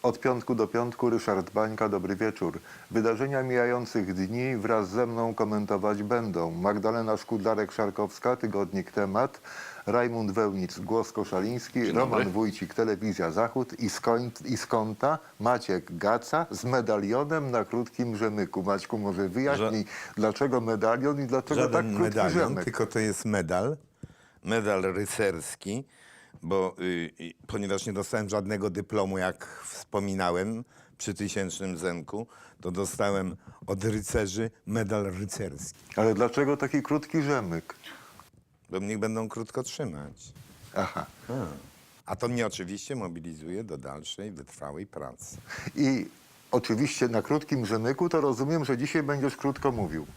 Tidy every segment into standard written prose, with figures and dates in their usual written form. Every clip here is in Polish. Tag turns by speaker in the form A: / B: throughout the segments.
A: Od piątku do piątku Ryszard Bańka, dobry wieczór. Wydarzenia mijających dni wraz ze mną komentować będą Magdalena Szkudlarek-Szarkowska, Tygodnik Temat, Rajmund Wełnic, Głos Koszaliński, Roman Wójcik, Telewizja Zachód i z kąta Maciek Gaca z medalionem na krótkim rzemyku. Maćku, może wyjaśnij, dlaczego medalion i dlaczego tak
B: Żaden
A: krótki
B: medalion,
A: rzemek?
B: tylko to jest medal rycerski, bo ponieważ nie dostałem żadnego dyplomu, jak wspominałem, przy 1000 zenku, to dostałem od rycerzy medal rycerski.
A: Ale dlaczego taki krótki rzemyk?
B: Bo mnie będą krótko trzymać.
A: Aha.
B: A to mnie oczywiście mobilizuje do dalszej, wytrwałej pracy.
A: I oczywiście na krótkim rzemyku to rozumiem, że dzisiaj będziesz krótko mówił.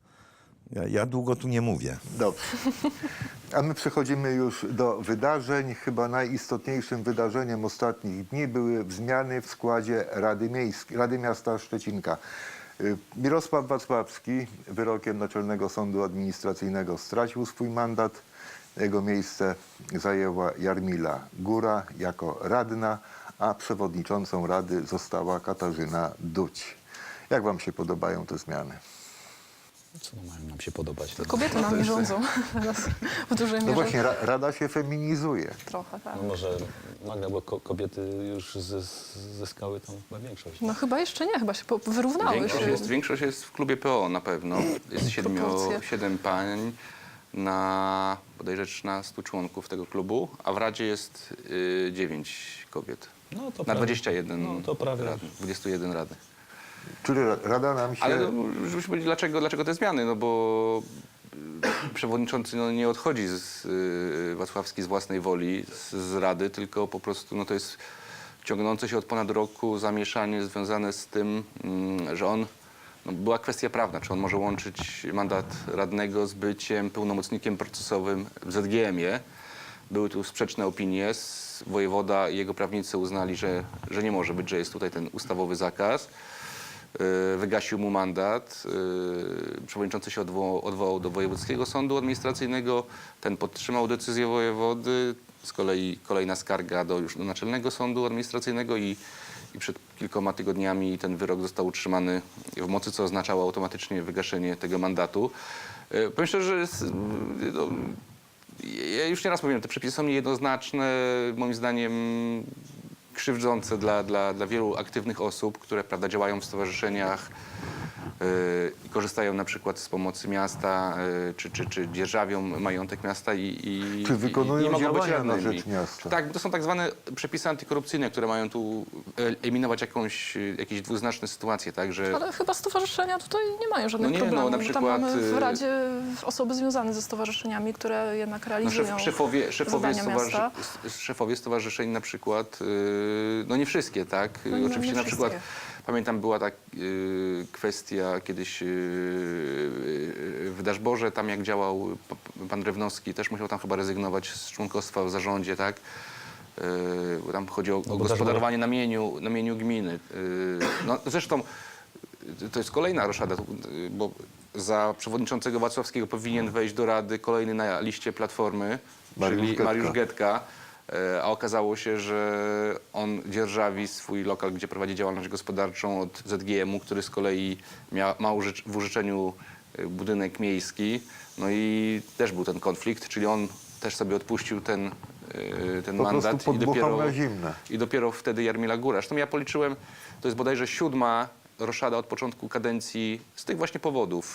B: Ja długo tu nie mówię.
A: Dobrze. A my przechodzimy już do wydarzeń. Chyba najistotniejszym wydarzeniem ostatnich dni były zmiany w składzie Rady Miasta Szczecinka. Mirosław Wacławski wyrokiem Naczelnego Sądu Administracyjnego stracił swój mandat. Jego miejsce zajęła Jarmila Góra jako radna, a przewodniczącą rady została Katarzyna Duć. Jak wam się podobają te zmiany?
C: Co mają nam się podobać?
D: Kobiety nami rządzą w dużej mierze.
A: No właśnie, rada się feminizuje.
D: Trochę, tak.
C: No może Magda, bo kobiety już zyskały tam chyba większość.
D: No chyba jeszcze nie, chyba się wyrównały.
E: Większość jest w klubie PO na pewno. Jest
D: Proporcje.
E: 7 pań na bodajże 13 członków tego klubu, a w Radzie jest 9 kobiet.
C: No to
E: Na
C: prawie.
E: 21
C: No to prawie.
E: radnych, 21 radnych.
A: Czyli rada nam się...
E: Ale no, żebyśmy powiedzieli, dlaczego te zmiany? No bo przewodniczący nie odchodzi Wacławski z własnej woli z Rady, tylko po prostu no, to jest ciągnące się od ponad roku zamieszanie związane z tym, że on, no, była kwestia prawna, czy on może łączyć mandat radnego z byciem pełnomocnikiem procesowym w ZGM-ie. Były tu sprzeczne opinie. Wojewoda i jego prawnicy uznali, że nie może być, że jest tutaj ten ustawowy zakaz. Wygasił mu mandat. Przewodniczący się odwołał do Wojewódzkiego Sądu Administracyjnego. Ten podtrzymał decyzję wojewody. Z kolei kolejna skarga do Naczelnego Sądu Administracyjnego i przed kilkoma tygodniami ten wyrok został utrzymany w mocy, co oznaczało automatycznie wygaszenie tego mandatu. Powiem szczerze, że no, ja już nieraz mówiłem, te przepisy są niejednoznaczne, moim zdaniem krzywdzące dla wielu aktywnych osób, które prawda, działają w stowarzyszeniach i korzystają na przykład z pomocy miasta, czy dzierżawią majątek miasta
A: Czy wykonują
E: nie mogą być
A: działania na
E: radnymi.
A: rzecz miasta.
E: Tak, to są tak zwane przepisy antykorupcyjne, które mają tu eliminować jakieś dwuznaczne sytuacje, tak, że...
D: Ale chyba stowarzyszenia tutaj nie mają żadnych
E: No nie, no,
D: problemów.
E: na
D: Bo
E: przykład,
D: tam mamy w Radzie osoby związane ze stowarzyszeniami, które jednak realizują zadania miasta.
E: Szefowie stowarzyszeń na przykład, no nie wszystkie, tak?
D: No nie
E: Oczywiście na przykład,
D: wszystkie.
E: pamiętam była ta kwestia kiedyś w Daszborze, tam jak działał pan Drewnowski, też musiał tam chyba rezygnować z członkostwa w zarządzie, tak? Bo tam chodzi o gospodarowanie na mieniu gminy. No, zresztą to jest kolejna roszada, bo za przewodniczącego Wacławskiego powinien wejść do Rady kolejny na liście Platformy, czyli Mariusz Getka. A okazało się, że on dzierżawi swój lokal, gdzie prowadzi działalność gospodarczą od ZGM-u, który z kolei ma w użyczeniu budynek miejski. No i też był ten konflikt, czyli on też sobie odpuścił ten mandat i dopiero wtedy Jarmila Góra. Zresztą ja policzyłem, to jest bodajże 7. roszada od początku kadencji z tych właśnie powodów,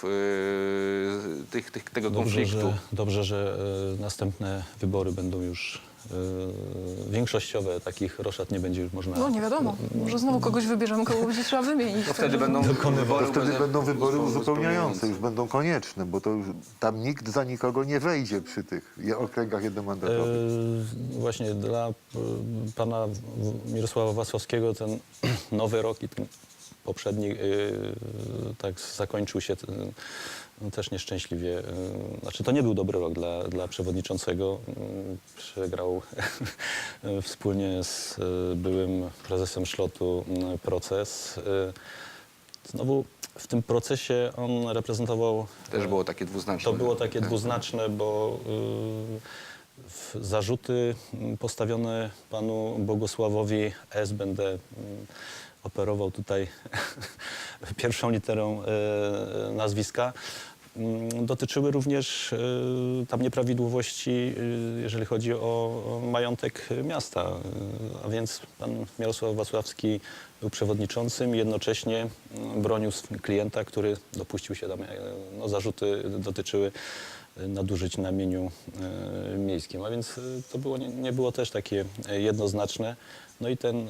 E: tego konfliktu.
C: Dobrze, że następne wybory będą już większościowe. Takich roszad nie będzie już można...
D: No nie wiadomo, może znowu kogoś wybierzemy, kogo będzie trzeba wymienić.
E: To wtedy będą
A: wybory uzupełniające, już będą konieczne, bo to już tam nikt za nikogo nie wejdzie przy tych okręgach jednomandatowych.
C: Właśnie dla pana Mirosława Wacławskiego ten nowy rok i ten poprzedni tak zakończył się też nieszczęśliwie. Znaczy to nie był dobry rok dla przewodniczącego. Przegrał wspólnie z byłym prezesem Szlotu proces. Znowu w tym procesie on reprezentował...
E: Też było takie dwuznaczne.
C: To było takie dwuznaczne, bo Zarzuty postawione panu Bogusławowi S. Będę operował tutaj pierwszą literą nazwiska. Dotyczyły również tam nieprawidłowości, jeżeli chodzi o majątek miasta. A więc pan Mirosław Wacławski był przewodniczącym i jednocześnie bronił klienta, który dopuścił się tam, zarzuty dotyczyły nadużyć na mieniu miejskim. A więc to było, nie było też takie jednoznaczne. No i ten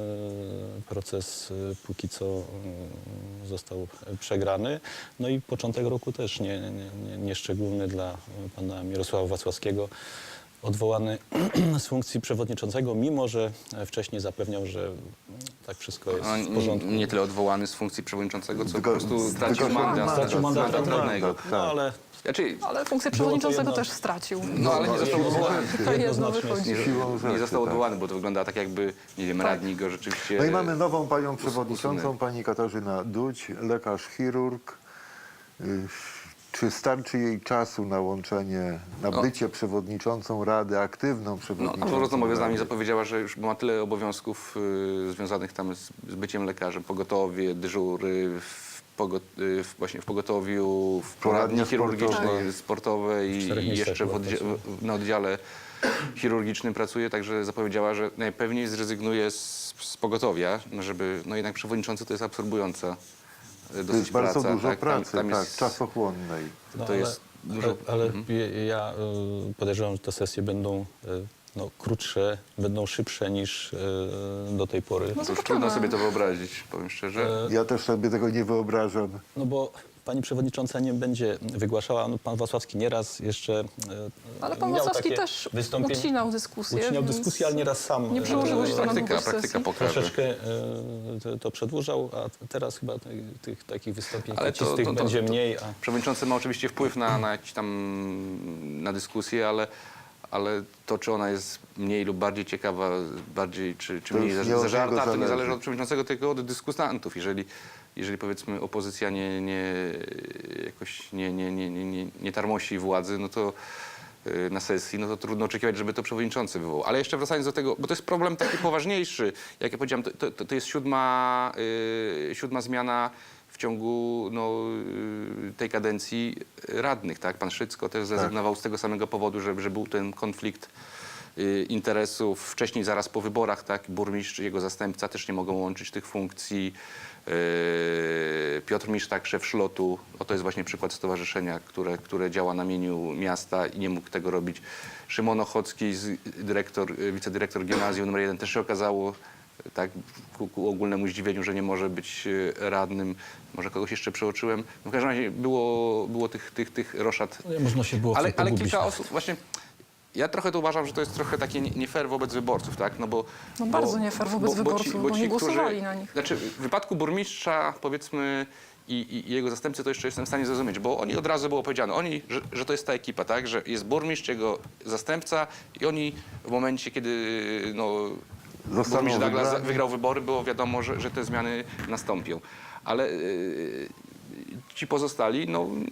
C: proces póki co został przegrany. No i początek roku też nieszczególny dla pana Mirosława Wacławskiego. Odwołany z funkcji przewodniczącego, mimo że wcześniej zapewniał, że tak wszystko jest w porządku.
E: Nie tyle odwołany z funkcji przewodniczącego, co po
A: Tylko-
E: prostu stracił
A: tylko
E: mandat.
C: Stracił mandat radnego.
A: tak.
C: No ale
E: Znaczy,
D: Ale funkcję
C: Było to
D: przewodniczącego
C: jedno-
D: też stracił.
E: no ale nie został
A: siłą
E: odwołany.
A: rzeczy.
D: To jedno
C: jednoznacznie
D: wychodzi.
A: Siłą rzeczy,
E: Nie został
A: tak.
E: odwołany, bo to wygląda tak jakby, nie wiem, radni go rzeczywiście...
A: No i mamy nową panią przewodniczącą,
E: usunęli.
A: pani Katarzyna Dudź, lekarz chirurg. Czy starczy jej czasu na łączenie, na bycie przewodniczącą Rady, aktywną
E: No,
A: przewodniczącą
E: w rozmowie z nami
A: Rady?
E: zapowiedziała, że już ma tyle obowiązków związanych tam z byciem lekarzem, pogotowie, dyżury, właśnie w pogotowiu, w poradni
A: Poradnia
E: chirurgicznej, sportowej i
C: 4
E: jeszcze
C: miejscach była
E: na oddziale chirurgicznym pracuje, także zapowiedziała, że najpewniej zrezygnuje z pogotowia, żeby, no jednak przewodniczący to jest absorbująca
A: To
E: dosyć
A: jest bardzo
E: praca.
A: dużo
E: tak?
A: pracy,
E: Tam
A: tak,
E: jest,
A: czasochłonnej.
E: to jest dużo...
C: Ale ja podejrzewam, że te sesje będą krótsze, będą szybsze niż do tej pory.
D: No
E: To już
D: zobaczymy.
E: trudno sobie to wyobrazić, powiem szczerze.
A: Ja też sobie tego nie wyobrażam.
C: No bo pani przewodnicząca nie będzie wygłaszała, no pan Wacławski nieraz jeszcze
D: Ale pan
C: miał
D: Wacławski
C: takie
D: też
C: wystąpienia.
D: ucinał dyskusję.
C: Ucinał
D: więc
C: dyskusję, ale nieraz sam
D: Nie przełożyło się to na długość
E: Praktyka
D: sesji.
E: pokaże.
C: troszeczkę to przedłużał, a teraz chyba tych takich wystąpień
E: Ale to-
C: kocistych
E: to-
C: będzie mniej. A
E: Przewodniczący ma oczywiście wpływ na jakieś tam na dyskusję, ale to, czy ona jest mniej lub bardziej ciekawa, bardziej czy
A: To
E: mniej
A: już nie od
E: zażarta,
A: niego
E: to nie
A: zależy.
E: zależy od przewodniczącego, tylko od dyskutantów. Jeżeli powiedzmy opozycja jakoś nie tarmosi władzy, no to na sesji, no to trudno oczekiwać, żeby to przewodniczący wywołał. Ale jeszcze wracając do tego, bo to jest problem taki poważniejszy. Jak ja powiedziałem, to jest siódma zmiana w ciągu tej kadencji radnych, tak? Pan Szycko też zrezygnował z tego samego powodu, że był ten konflikt interesów. Wcześniej, zaraz po wyborach, tak? Burmistrz i jego zastępca też nie mogą łączyć tych funkcji. Piotr Misztak, szef szlotu, to jest właśnie przykład stowarzyszenia, które działa na mieniu miasta i nie mógł tego robić. Szymon Ochocki, wicedyrektor gimnazjum nr 1, też się okazało, tak, ku ogólnemu zdziwieniu, że nie może być radnym. Może kogoś jeszcze przeoczyłem. W każdym razie było tych roszad.
C: można się było w tym
E: Ale
C: pogubić.
E: kilka osób właśnie... Ja trochę to uważam, że to jest trochę takie nie fair wobec wyborców, tak?
D: No bardzo nie fair wobec wyborców, bo nie głosowali na nich.
E: Znaczy w wypadku burmistrza, powiedzmy, i jego zastępcy, to jeszcze jestem w stanie zrozumieć, bo oni od razu było powiedziane, że to jest ta ekipa, tak? Że jest burmistrz, jego zastępca i oni w momencie, kiedy
A: Zostaną
E: burmistrz Douglas
A: wybrani.
E: wygrał wybory, było wiadomo, że te zmiany nastąpią. Ale ci pozostali,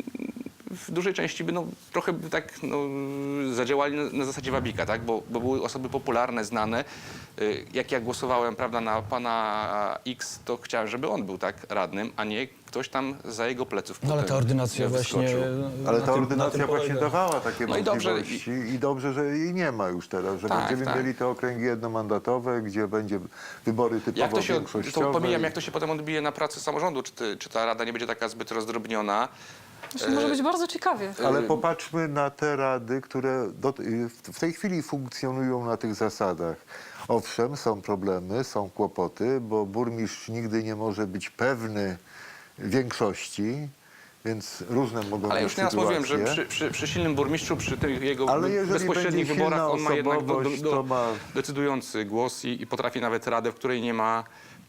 E: w dużej części by trochę tak zadziałali na zasadzie wabika, tak? Bo były osoby popularne, znane. Jak ja głosowałem, prawda, na pana X, to chciałem, żeby on był tak radnym, a nie ktoś tam za jego pleców.
C: No ale
E: potem
C: ta ordynacja
E: wyskoczył.
C: właśnie...
A: Ale
C: na
A: ta
C: tym
A: ordynacja właśnie
C: polega.
A: dawała takie
E: No i dobrze,
A: możliwości i dobrze, że jej nie ma już teraz, że
E: Tak,
A: będziemy
E: tak.
A: mieli te okręgi jednomandatowe, gdzie będzie wybory typowo
E: Jak to się,
A: większościowe.
E: to pomijam, jak to się potem odbije na pracy samorządu, czy ta rada nie będzie taka zbyt rozdrobniona.
D: Zresztą może być bardzo ciekawie.
A: Ale popatrzmy na te rady, które w tej chwili funkcjonują na tych zasadach. Owszem, są problemy, są kłopoty, bo burmistrz nigdy nie może być pewny większości, więc różne mogą
E: Ale
A: być
E: już nieraz mówiłem, że
A: sytuacje.
E: przy silnym burmistrzu, przy tych jego
A: Ale jeżeli
E: bezpośrednich
A: będzie
E: wyborach,
A: silna
E: on ma jednak
A: osobowość, to ma...
E: decydujący głos i potrafi nawet radę, w której nie ma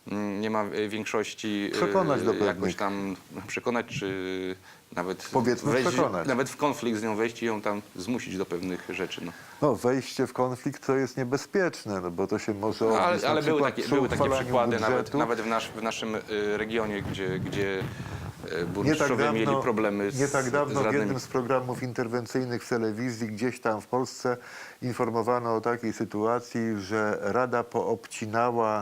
E: większości
A: Przekonać do
E: jakoś
A: pewnych.
E: tam przekonać, czy nawet
A: Powiedzmy przekonać.
E: nawet w konflikt z nią wejść i ją tam zmusić do pewnych rzeczy.
A: No, wejście w konflikt to jest niebezpieczne, bo to się może odbyć
E: Ale
A: na
E: były
A: przykład
E: takie
A: przy uchwalaniu
E: przykłady,
A: budżetu.
E: nawet w naszym regionie, gdzie burmistrzowie mieli problemy
A: nie tak
E: z
A: dawno w
E: radnymi.
A: jednym z programów interwencyjnych w telewizji gdzieś tam w Polsce informowano o takiej sytuacji, że Rada poobcinała,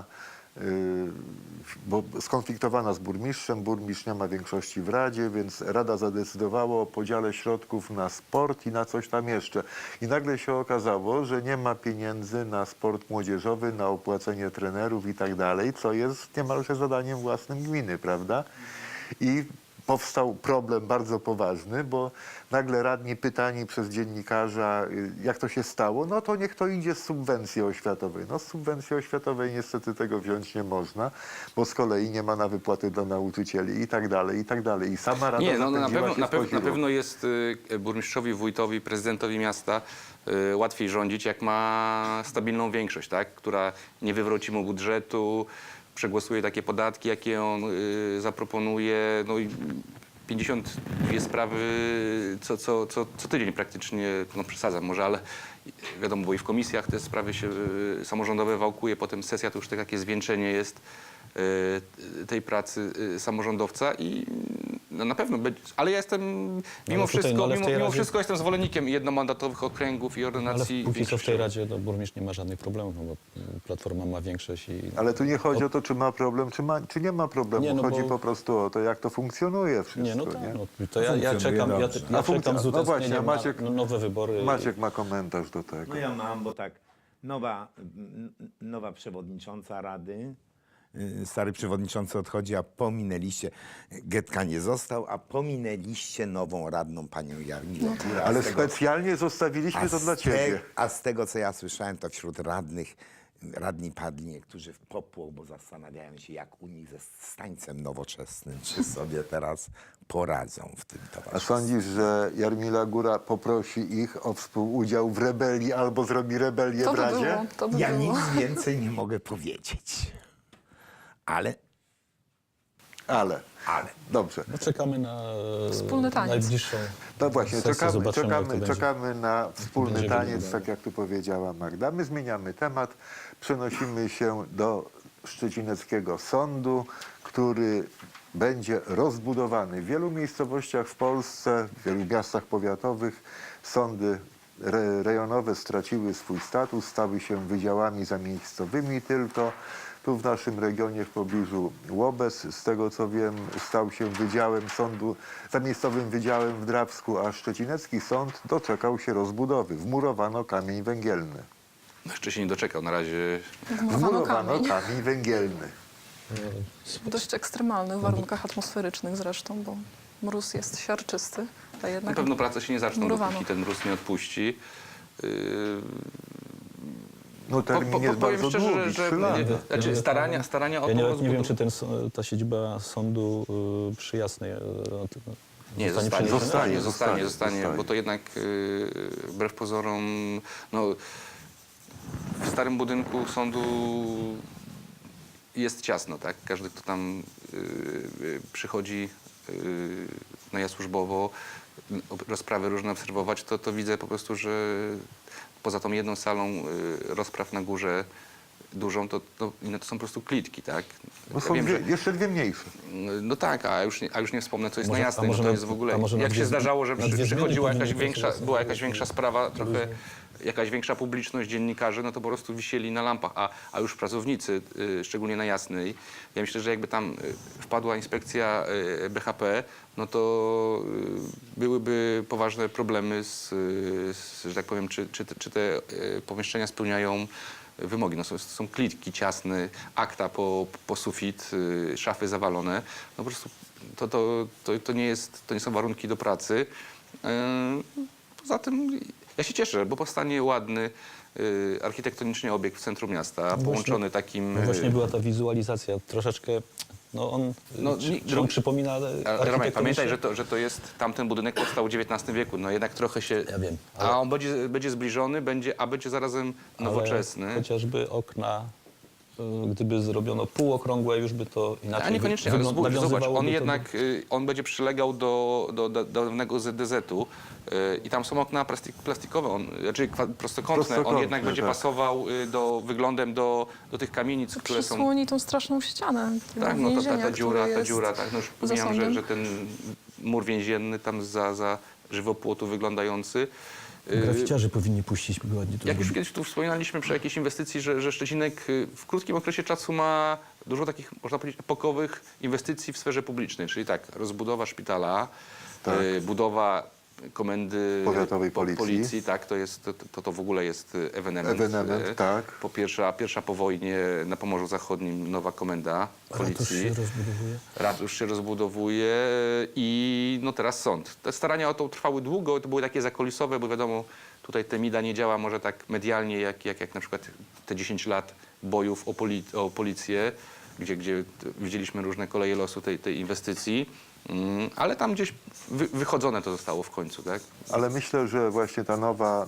A: bo skonfliktowana z burmistrzem, burmistrz nie ma większości w Radzie, więc Rada zadecydowała o podziale środków na sport i na coś tam jeszcze. I nagle się okazało, że nie ma pieniędzy na sport młodzieżowy, na opłacenie trenerów i tak dalej, co jest niemalże zadaniem własnym gminy, prawda? I powstał problem bardzo poważny, bo nagle radni pytani przez dziennikarza, jak to się stało, no to niech to idzie z subwencji oświatowej. No z subwencji oświatowej niestety tego wziąć nie można, bo z kolei nie ma na wypłaty dla nauczycieli i tak dalej, i tak dalej. I sama rada
E: Nie, no
A: zapędziła się w
E: na pewno jest burmistrzowi, wójtowi, prezydentowi miasta łatwiej rządzić, jak ma stabilną większość, tak? Która nie wywróci mu budżetu, przegłosuje takie podatki, jakie on zaproponuje. No i 52 sprawy co tydzień praktycznie, no przesadzam może, ale wiadomo, bo i w komisjach te sprawy się samorządowe wałkuje, potem sesja to już takie zwieńczenie jest tej pracy samorządowca i no na pewno będzie, ale ja jestem mimo wszystko jestem zwolennikiem jednomandatowych okręgów i
C: Ale
E: ordynacji
C: póki co w tej
E: większościowej.
C: Radzie burmistrz nie ma żadnych problemów, no bo Platforma ma większość i...
A: Ale tu nie chodzi o to, czy ma problem, czy nie ma problemu.
C: Nie, no
A: chodzi
C: bo-
A: po prostu o to, jak to funkcjonuje wszystko.
C: Nie, no tak,
A: nie?
C: no, to ja czekam, ja czekam z
A: No właśnie,
C: utęsknieniem
A: Maciek-
C: na nowe wybory.
A: Maciek ma komentarz do tego.
B: No ja mam, bo tak, nowa przewodnicząca Rady, stary przewodniczący odchodzi, a pominęliście, Getka nie został, a pominęliście nową radną panią Jarmilę Górę.
A: Ale specjalnie zostawiliśmy to dla ciebie.
B: A z tego, co ja słyszałem, to wśród radni padli niektórzy w popłoch, bo zastanawiają się, jak u nich ze stańcem nowoczesnym, czy sobie teraz poradzą w tym
A: A
B: towarzystwie.
A: sądzisz, że Jarmila Góra poprosi ich o współudział w rebelii albo zrobi rebelię
D: To
A: w
D: by
A: Radzie?
D: było, to by
B: Ja
D: było.
B: nic więcej nie mogę powiedzieć. Ale
A: Ale. Dobrze.
C: No, czekamy na
D: Wspólny taniec.
C: najbliższą
A: No właśnie,
C: sesję. Zobaczymy, jak to będzie.
A: czekamy na wspólny
C: będzie
A: taniec,
C: wyglądało.
A: tak jak tu powiedziała Magda. My zmieniamy temat, przenosimy się do Szczecineckiego Sądu, który będzie rozbudowany. W wielu miejscowościach w Polsce, w wielu miastach powiatowych sądy rejonowe straciły swój status, stały się wydziałami zamiejscowymi tylko. Tu w naszym regionie w pobliżu Łobez, z tego co wiem, stał się wydziałem sądu, zamiejscowym wydziałem w Drawsku, a Szczecinecki Sąd doczekał się rozbudowy. Wmurowano kamień węgielny.
E: No, jeszcze się nie doczekał, na razie
D: Wmurowano kamień.
A: kamień węgielny.
D: W dość ekstremalnych warunkach atmosferycznych zresztą, bo mróz jest siarczysty, a
E: na
D: jednak
E: pewno prace się nie zaczną,
D: wmurowano.
E: dopóki ten mróz nie odpuści.
A: No termin jest
E: Powiem
A: bardzo
E: szczerze,
A: długi,
E: że
A: 3 lata.
E: znaczy starania o
C: Ja
E: tą
C: nawet nie wiem,
E: rozbudowę.
C: czy ta siedziba sądu przy Jasnej
E: Nie,
C: zostanie
E: zostanie,
C: przeniesiona?
A: Zostanie.
E: bo to jednak wbrew pozorom, no, w starym budynku sądu jest ciasno, tak? Każdy, kto tam przychodzi no ja służbowo, rozprawy różne obserwować, to widzę po prostu, że poza tą jedną salą rozpraw na górze dużą, to inne to są po prostu klitki, tak?
A: No są jeszcze dwie mniejsze.
E: No tak, a już nie wspomnę, co jest na Jasnej,
C: może
E: no to
C: na-
E: jest w ogóle,
C: a może na
E: jak
C: dwie
E: się
C: zmiany-
E: zdarzało, że
C: na dwie zmiany
E: przychodziła jakaś
C: powinien
E: większa,
C: pracować.
E: była jakaś większa sprawa, trochę jakaś większa publiczność, dziennikarzy, no to po prostu wisieli na lampach, a już pracownicy, szczególnie na Jasnej, ja myślę, że jakby tam wpadła inspekcja BHP, no to byłyby poważne problemy że tak powiem, czy te pomieszczenia spełniają wymogi. No są klitki ciasne, akta po sufit, szafy zawalone. No po prostu to nie są warunki do pracy. Poza tym ja się cieszę, bo powstanie ładny, architektonicznie obiekt w centrum miasta, połączony takim...
C: No właśnie była ta wizualizacja, troszeczkę, no on, czy on przypomina
E: Romek,
C: architektonicznie?
E: pamiętaj, że to jest, tamten budynek powstał w XIX wieku, no jednak trochę się...
C: Ja wiem,
E: A on będzie zbliżony, będzie zarazem nowoczesny.
C: Ale chociażby okna gdyby zrobiono półokrągłe, już by to inaczej
E: A niekoniecznie, ale zobacz,
C: nawiązywałoby
E: on
C: to
E: jednak on będzie przylegał do dawnego ZDZ-u i tam są okna plastikowe, znaczy prostokątne. On jednak będzie
A: tak.
E: pasował wyglądem do tych kamienic, które są...
D: Przysłoni tą straszną ścianę
E: Tak, no
D: więzienia,
E: ta dziura,
D: która
E: ta
D: jest
E: dziura, tak, no już
D: za
E: pomijam,
D: sądem.
E: że ten mur więzienny tam za żywopłotu wyglądający.
F: Graficiarze powinni puścić ładnie to
E: Jak już
F: zrobić.
E: kiedyś tu wspominaliśmy przy jakiejś inwestycji, że Szczecinek w krótkim okresie czasu ma dużo takich, można powiedzieć, epokowych inwestycji w sferze publicznej. Czyli tak, rozbudowa szpitala,
A: Tak.
E: Budowa komendy
A: Powiatowej policji.
E: tak, to w ogóle jest ewenement.
A: Ewenement, tak.
E: Po pierwsza po wojnie na Pomorzu Zachodnim nowa komenda
F: Ratusz
E: policji.
F: się rozbudowuje.
E: Ratusz się rozbudowuje i no teraz sąd. Te starania o to trwały długo, to były takie zakulisowe, bo wiadomo, tutaj Temida nie działa może tak medialnie, jak na przykład te 10 lat bojów o policję, gdzie widzieliśmy różne koleje losu tej inwestycji. Ale tam gdzieś wychodzone to zostało w końcu, tak?
A: Ale myślę, że właśnie ta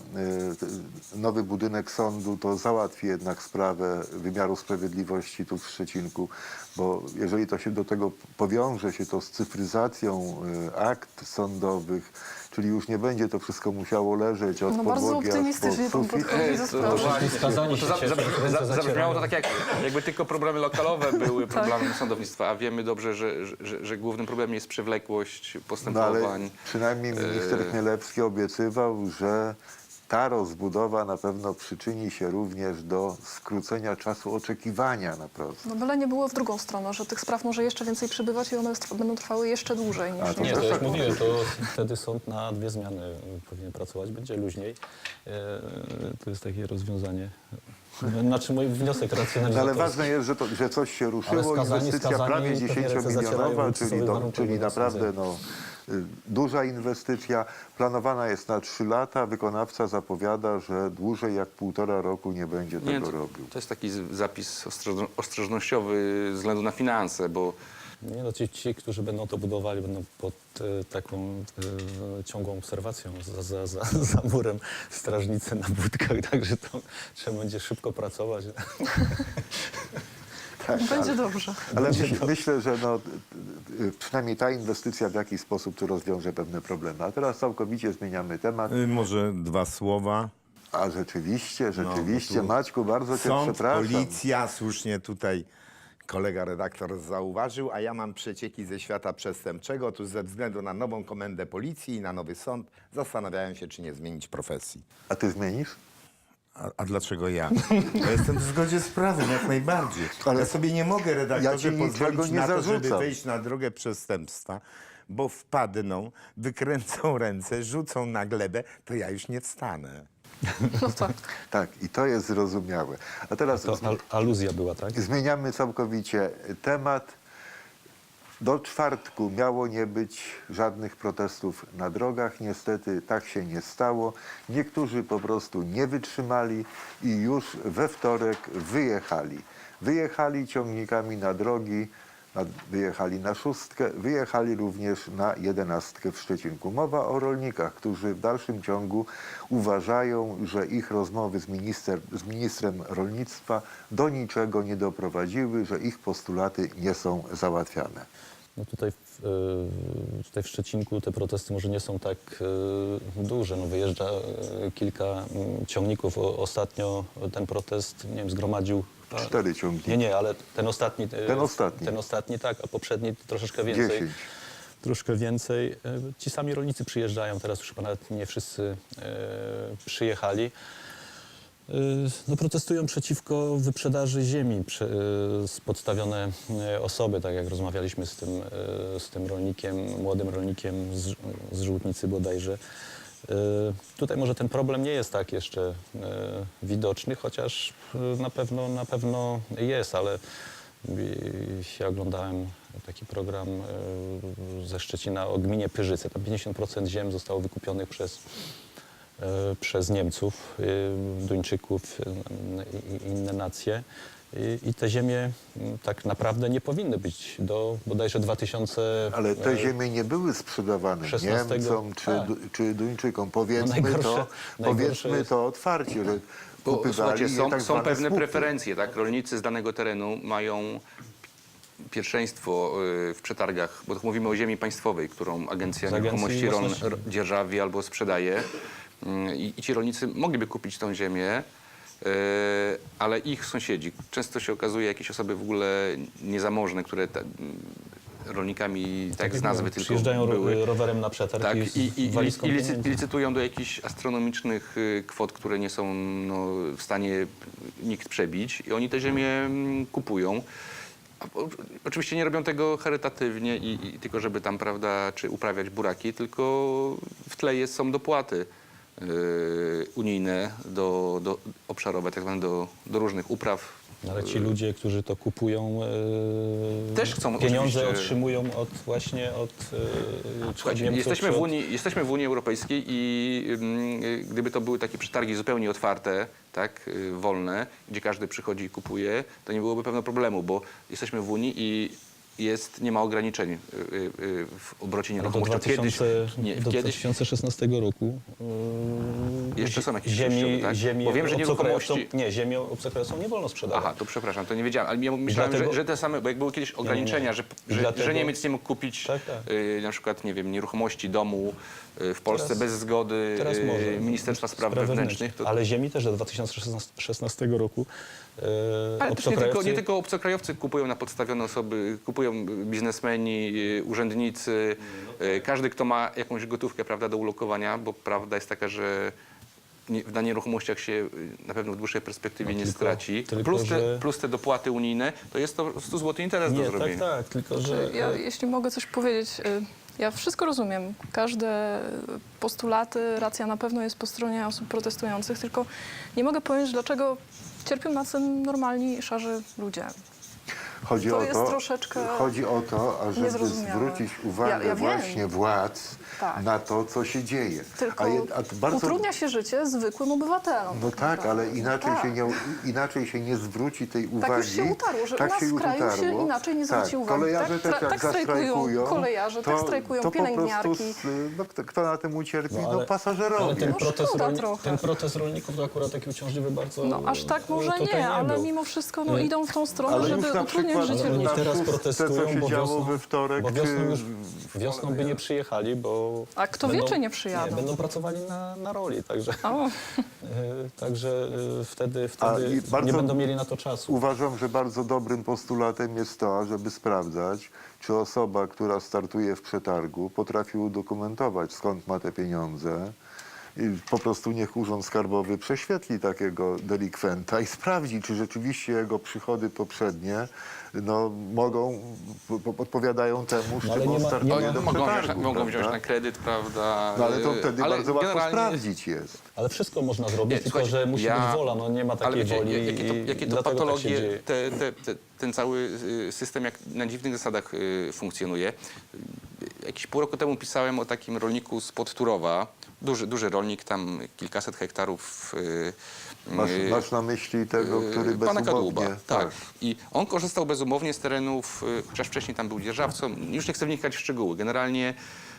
A: nowy budynek sądu to załatwi jednak sprawę wymiaru sprawiedliwości tu w Szczecinku, bo jeżeli to się do tego powiąże się to z cyfryzacją akt sądowych, czyli już nie będzie to wszystko musiało leżeć od
D: No bardzo
A: podłogi aż po
D: optymistycznie pan
A: sufit.
D: podchodzi do sprawy.
F: Skazani się cieszą, ręce
E: Zabrzmiało
F: zacierają.
E: to tak, jakby tylko problemy lokalowe były problemem sądownictwa, a wiemy dobrze, że głównym problemem jest przewlekłość
A: No
E: postępowań.
A: ale przynajmniej minister Chmielewski obiecywał, że ta rozbudowa na pewno przyczyni się również do skrócenia czasu oczekiwania na proces.
D: No byle nie było w drugą stronę, że tych spraw może jeszcze więcej przybywać i one będą trwały jeszcze dłużej niż...
A: to
C: Nie,
A: też
C: to
A: tak
C: jak mówiłem, to wtedy sąd na 2 zmiany powinien pracować, będzie luźniej. To jest takie rozwiązanie. Znaczy mój wniosek
A: No, ale
C: racjonalizatorski.
A: ważne jest, że coś się ruszyło.
F: skazani,
A: Inwestycja prawie
F: pewnie ręce
A: 10-milionowa,
F: zacierają,
A: czyli
F: sobie
A: naprawdę duża inwestycja. Planowana jest na 3 lata. Wykonawca zapowiada, że dłużej jak 1,5 roku nie będzie
E: Nie,
A: tego robił.
E: to jest taki zapis ostrożnościowy ze względu na finanse, bo
C: Nie, no ci, którzy będą to budowali, będą pod taką ciągłą obserwacją za murem strażnicy na budkach, także to trzeba będzie szybko pracować.
D: Będzie dobrze.
A: Ale myślę, że przynajmniej ta inwestycja w jakiś sposób tu rozwiąże pewne problemy. A teraz całkowicie zmieniamy temat.
B: Może 2 słowa.
A: A rzeczywiście,
B: tu
A: Maćku, bardzo cię
B: Sąd,
A: przepraszam.
B: policja, słusznie tutaj kolega redaktor zauważył, a ja mam przecieki ze świata przestępczego. Otóż ze względu na nową komendę policji i na nowy sąd zastanawiają się, czy nie zmienić profesji.
A: A ty zmienisz?
B: A dlaczego ja? Ja jestem w zgodzie z prawem, jak najbardziej.
A: Ale
B: ja sobie nie mogę, redaktorze,
A: ja ci niczego
B: pozwolić
A: nie
B: na to, żeby
A: zarzucam.
B: wejść na drogę przestępstwa, bo wpadną, wykręcą ręce, rzucą na glebę, to ja już nie wstanę.
D: No tak.
A: Tak, i to jest zrozumiałe. A teraz
C: To aluzja była, tak?
A: zmieniamy całkowicie temat. Do czwartku miało nie być żadnych protestów na drogach. Niestety tak się nie stało. Niektórzy po prostu nie wytrzymali i już we wtorek wyjechali. Wyjechali ciągnikami na drogi, wyjechali na 6, wyjechali również na 11 w Szczecinku. Mowa o rolnikach, którzy w dalszym ciągu uważają, że ich rozmowy z ministrem rolnictwa do niczego nie doprowadziły, że ich postulaty nie są załatwiane.
C: No tutaj w Szczecinku te protesty może nie są tak duże. No wyjeżdża kilka ciągników. Ostatnio ten protest, nie wiem, zgromadził...
A: 4 ciągniki.
C: Nie, ale ten ostatni...
A: Ten ostatni.
C: Tak, a poprzedni troszeczkę więcej.
A: 10.
C: Troszkę więcej. Ci sami rolnicy przyjeżdżają, teraz już chyba nawet nie wszyscy przyjechali. No, protestują przeciwko wyprzedaży ziemi z podstawione osoby, tak jak rozmawialiśmy z tym rolnikiem, młodym rolnikiem z Żółtnicy bodajże. Tutaj może ten problem nie jest tak jeszcze widoczny, chociaż na pewno jest, ale ja oglądałem taki program ze Szczecina o gminie Pyrzyce. Tam 50% ziem zostało wykupionych przez Niemców, Duńczyków i inne nacje. I te ziemie tak naprawdę nie powinny być do bodajże 2000...
A: Ale te ziemie nie były sprzedawane
C: 16
A: Niemcom
C: tak.
A: czy Duńczykom.
C: najgorsze-
A: Powiedzmy to otwarcie, że
E: Bo
A: kupywali
E: słuchajcie,
A: je tak
E: są
A: zwane
E: pewne
A: słupy.
E: preferencje, tak? Rolnicy z danego terenu mają pierwszeństwo w przetargach, bo tu mówimy o ziemi państwowej, którą Agencja
C: Z Agencji
E: Nieruchomości Rolne
C: Własności.
E: dzierżawi albo sprzedaje. I ci rolnicy mogliby kupić tą ziemię, ale ich sąsiedzi, często się okazuje jakieś osoby w ogóle niezamożne, które rolnikami, tak z nazwy tylko
C: Przyjeżdżają
E: były.
C: rowerem na przetarg
E: Tak,
C: i z walizką pieniędzy.
E: licytują do jakichś astronomicznych kwot, które nie są no, w stanie nikt przebić i oni te ziemię kupują. Oczywiście nie robią tego charytatywnie i tylko żeby tam, prawda, czy uprawiać buraki, tylko w tle są dopłaty unijne obszarowe, tak zwane do różnych upraw.
C: Ale ci ludzie, którzy to kupują,
E: Też chcą
C: pieniądze
E: oczywiście-
C: otrzymują właśnie od
E: Słuchajcie,
C: Niemców,
E: jesteśmy w Unii Europejskiej i gdyby to były takie przetargi zupełnie otwarte, tak, wolne, gdzie każdy przychodzi i kupuje, to nie byłoby pewno problemu, bo jesteśmy w Unii i nie ma ograniczeń w obrocie
C: do,
E: nieruchomością.
C: 2016 roku
E: Jeszcze są jakieś
C: ziemi,
E: przejściowe, tak?
C: ziemi
E: Bo wiem, że
C: obcokrajowcom-
E: nieruchomości-
C: Nie, ziemi obcokrajowcom nie wolno sprzedawać.
E: Aha, to przepraszam, to nie wiedziałem, ale ja myślałem,
C: Dlatego-
E: że te same, bo jak były kiedyś ograniczenia, że
C: Dlatego-
E: Niemiec nie mógł kupić
C: Tak, tak.
E: na przykład, nie wiem, nieruchomości domu w Polsce bez zgody
C: Teraz może.
E: Ministerstwa Spraw Wewnętrznych. To,
C: Ale ziemi też do 2016 roku
E: ale też nie
C: obcokrajowcy...
E: tylko obcokrajowcy kupują na podstawione osoby, kupują biznesmeni, urzędnicy, każdy, kto ma jakąś gotówkę, prawda, do ulokowania, bo prawda jest taka, że na nieruchomościach się na pewno w dłuższej perspektywie nie straci.
C: tylko że-
E: Plus te dopłaty unijne, to jest to 100 zł interes do
C: Nie,
E: zrobienia.
C: tak, tylko że...
D: Ja, jeśli mogę coś powiedzieć, ja wszystko rozumiem. Każde postulaty, racja na pewno jest po stronie osób protestujących, tylko nie mogę pojąć, dlaczego cierpią na tym normalni, szarzy ludzie.
A: Chodzi
D: To
A: o
D: jest
A: to,
D: troszeczkę
A: chodzi o to, ażeby
D: niezrozumiałe.
A: zwrócić uwagę
D: Ja wiem.
A: właśnie władz
D: Tak.
A: na to, co się dzieje.
D: Tylko
A: Bardzo...
D: utrudnia się życie zwykłym obywatelom.
A: No tak,
D: naprawdę.
A: ale inaczej,
D: Tak.
A: inaczej się nie zwróci tej uwagi.
D: Tak już się utarło, że u nas w kraju się inaczej nie zwróci uwagi.
A: Kolejarze
D: Tak,
A: też jak
D: tak strajkują
A: zastrajkują,
D: kolejarze, tak strajkują
A: to
D: pielęgniarki.
A: Po prostu, no, kto na tym ucierpi?
C: No,
A: No,
C: ale
A: pasażerowie.
C: ten
D: No
C: protest,
D: szkoda trochę.
C: ten protest rolników to akurat taki uciążliwy bardzo
D: No aż tak może
C: tutaj
D: nie, ale
C: był.
D: mimo wszystko no, idą w tą stronę,
A: Ale już
D: żeby
A: na
D: utrudniać
A: przykład
D: życie
C: Ale oni
A: na
D: ludziom.
C: teraz
A: szóstce,
C: protestują,
A: co się
C: bo
A: działo
C: wiosną,
A: we wtorek,
C: bo wiosną, już,
A: czy-
C: wiosną by nie przyjechali, bo...
D: A kto wie, czy nie przyjadą?
C: Nie, będą pracowali na roli, także,
D: O,
C: także wtedy
A: i bardzo-
C: nie będą mieli na to czasu.
A: Uważam, że bardzo dobrym postulatem jest to, żeby sprawdzać, czy osoba, która startuje w przetargu, potrafi udokumentować, skąd ma te pieniądze. I po prostu niech Urząd Skarbowy prześwietli takiego delikwenta i sprawdzi, czy rzeczywiście jego przychody poprzednie odpowiadają temu, z
C: No, ale
A: czym
C: nie
A: on
C: ma-
A: startuje
C: nie ma-
A: do
E: Mogą
A: przetargu.
E: mogą wziąć
A: prawda?
E: na kredyt, prawda?
A: No ale to wtedy
E: ale
A: bardzo łatwo
E: generalnie-
A: sprawdzić jest.
C: Ale wszystko można zrobić,
E: Nie,
C: tylko
E: słuchajcie,
C: że musi być wola, no nie ma
E: ale
C: takiej
E: wiecie,
C: woli
E: jakie to
C: dlatego tak się
E: patologie,
C: dzieje.
E: ten cały system jak na dziwnych zasadach funkcjonuje. Jakiś pół roku temu pisałem o takim rolniku spod Turowa, duży rolnik, tam kilkaset hektarów.
A: Masz na myśli tego, który
E: Pana Kadłuba,
A: bezumownie...
E: tak. I on korzystał bezumownie z terenów, chociaż wcześniej tam był dzierżawcą. Już nie chcę wnikać w szczegóły. Generalnie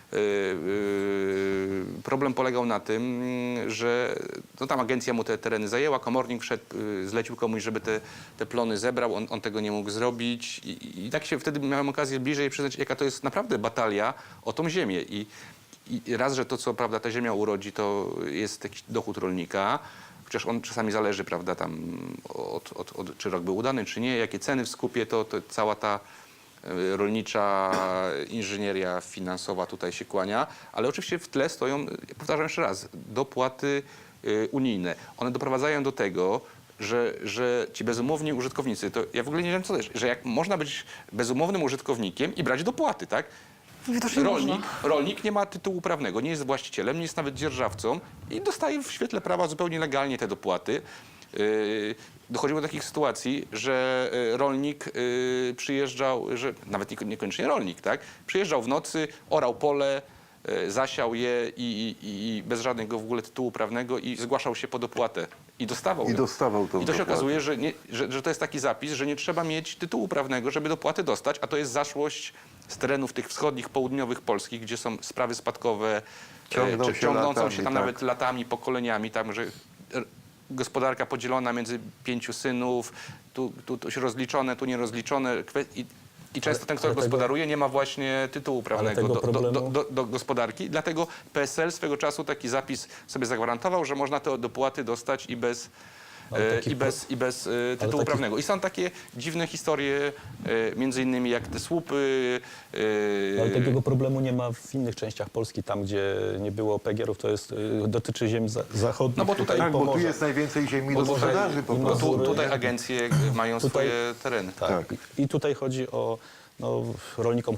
E: problem polegał na tym, że no, tam agencja mu te tereny zajęła, komornik wszedł, zlecił komuś, żeby te plony zebrał, on tego nie mógł zrobić i tak się wtedy miałem okazję bliżej przyznać, jaka to jest naprawdę batalia o tą ziemię. I raz, że to, co prawda ta ziemia urodzi, to jest jakiś dochód rolnika, chociaż on czasami zależy, prawda, tam od czy rok był udany, czy nie, jakie ceny w skupie, to cała ta rolnicza inżynieria finansowa tutaj się kłania, ale oczywiście w tle stoją, powtarzam jeszcze raz, dopłaty unijne. One doprowadzają do tego, że ci bezumowni użytkownicy, to ja w ogóle nie wiem co to jest, że jak można być bezumownym użytkownikiem i brać dopłaty, tak?
D: widocznie można.
E: Rolnik nie ma tytułu prawnego, nie jest właścicielem, nie jest nawet dzierżawcą i dostaje w świetle prawa zupełnie legalnie te dopłaty. Dochodziło do takich sytuacji, że rolnik przyjeżdżał, że nawet niekoniecznie rolnik, tak? Przyjeżdżał w nocy, orał pole, zasiał je i bez żadnego w ogóle tytułu prawnego i zgłaszał się po dopłatę. I dostawał ją.
A: dostawał tą
E: I to się
A: dopłatę.
E: okazuje, że to jest taki zapis, że nie trzeba mieć tytułu prawnego, żeby dopłaty dostać, a to jest zaszłość z terenów tych wschodnich, południowych Polskich, gdzie są sprawy spadkowe
A: Ciągną się
E: ciągnącą
A: latami,
E: się tam
A: tak.
E: nawet latami, pokoleniami, tam, że gospodarka podzielona między 5 synów, tu się rozliczone, tu nierozliczone. I często ten, kto
C: ale tego-
E: gospodaruje, nie ma właśnie tytułu prawnego
C: tego problemu-
E: do gospodarki. Dlatego PSL swego czasu taki zapis sobie zagwarantował, że można te dopłaty dostać i bez,
C: Ale taki
E: i bez tytułu
C: taki-
E: prawnego. I są takie dziwne historie, między innymi jak te słupy.
C: Ale takiego problemu nie ma w innych częściach Polski, tam gdzie nie było PGR-ów, to jest, dotyczy ziem zachodnich.
E: No bo tutaj-
A: Tak, bo tu
C: Pomorza.
A: jest najwięcej ziemi do
E: Bo tutaj-
A: sprzedaży po
C: i
A: prostu.
C: Mazury.
E: Tutaj agencje mają
C: Tutaj-
E: swoje tereny.
C: Tak.
A: Tak.
C: I tutaj chodzi o, no, rolnikom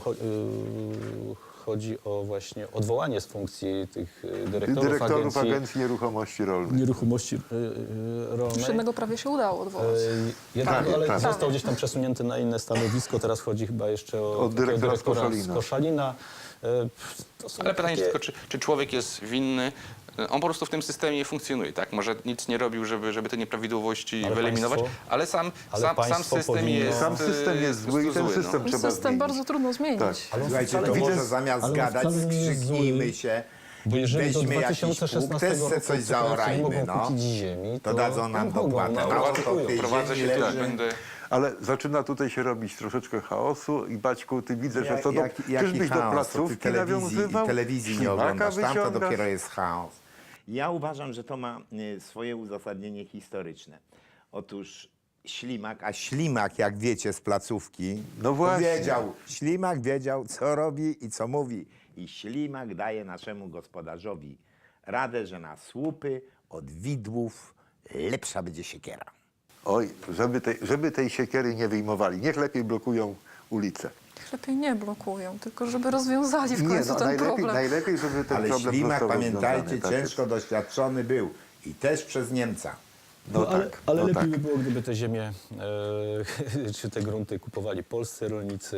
C: chodzi o właśnie odwołanie z funkcji tych
A: Dyrektorów Agencji Nieruchomości Rolnych.
C: Nieruchomości Rolnej.
D: Już jednego prawie się udało odwołać.
C: Jednego,
A: Prawie,
C: ale
A: prawie.
C: został gdzieś tam przesunięty na inne stanowisko. Teraz chodzi chyba jeszcze o
A: Od dyrektora z
C: takiego
A: Koszalina.
C: z Koszalina. To są
E: Ale pytanie
C: takie-
E: tylko, czy człowiek jest winny? On po prostu w tym systemie funkcjonuje, tak? Może nic nie robił, żeby te nieprawidłowości
C: Ale
E: wyeliminować,
C: państwo-
E: ale sam
C: państwo
E: system
C: powinno-
E: jest
A: Sam system jest zły i ten
E: zły, no.
A: system trzeba
D: System
A: zmienić.
D: bardzo trudno zmienić.
A: Tak.
C: Ale on
B: Słuchajcie,
C: wcale
B: to
C: nie
B: może
C: jest-
B: zamiast
C: ale on
B: gadać,
C: wcale nie jest
B: skrzyknijmy
C: zły.
B: się
C: Bo
B: i
C: jeżeli do
B: weźmy jakiś pług,
C: 2016
B: też
C: roku
B: se coś
C: Ukraińcy nie
B: zaorajmy,
C: mogą
B: no.
C: kupić ziemi,
B: To dadzą nam
C: mogą,
B: dopłatę.
C: no,
B: No,
C: oczekują.
B: to tej
E: Prowadzę się
B: ziemi
E: tak,
B: leży.
E: będę...
A: Ale zaczyna tutaj się robić troszeczkę chaosu i Baćku, ty widzę, że co do,
B: Jaki
A: czyżbyś do
B: chaos? To
A: placówki
B: ty
A: nawiązywał?
B: telewizji nie
A: Ślimaka
B: oglądasz, tam to
A: wyciągasz?
B: dopiero jest chaos. Ja uważam, że to ma swoje uzasadnienie historyczne. Otóż Ślimak, a Ślimak, jak wiecie z placówki,
A: No właśnie.
B: wiedział, Ślimak wiedział, co robi i co mówi. I Ślimak daje naszemu gospodarzowi radę, że na słupy od widłów lepsza będzie siekiera.
A: Oj, żeby tej siekiery nie wyjmowali. Niech lepiej blokują ulicę.
D: Lepiej nie blokują, tylko żeby rozwiązali w
A: Nie,
D: końcu
A: no,
D: ten problem.
A: najlepiej, żeby ten
B: Ale
A: problem
B: Ślimak,
A: został
B: pamiętajcie,
A: rozwiązany, tak
B: ciężko doświadczony był i też przez Niemca.
A: No
C: ale
A: tak,
C: ale
A: no
C: lepiej
A: tak.
C: by było, gdyby te ziemie czy te grunty kupowali polscy rolnicy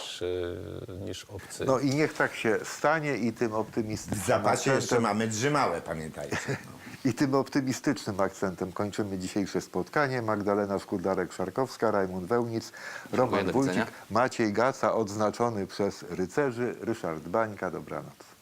C: niż obcy.
A: No i niech tak się stanie i tym
B: W
A: optymistycznym
B: zapasie jeszcze
A: akcentem,
B: mamy drzymałe, pamiętajcie.
A: i tym optymistycznym akcentem kończymy dzisiejsze spotkanie. Magdalena Szkudlarek-Szarkowska, Rajmund Wełnic, Roman
E: do
A: Wójcik,
E: widzenia.
A: Maciej Gaca, odznaczony przez rycerzy, Ryszard Bańka. Dobranoc.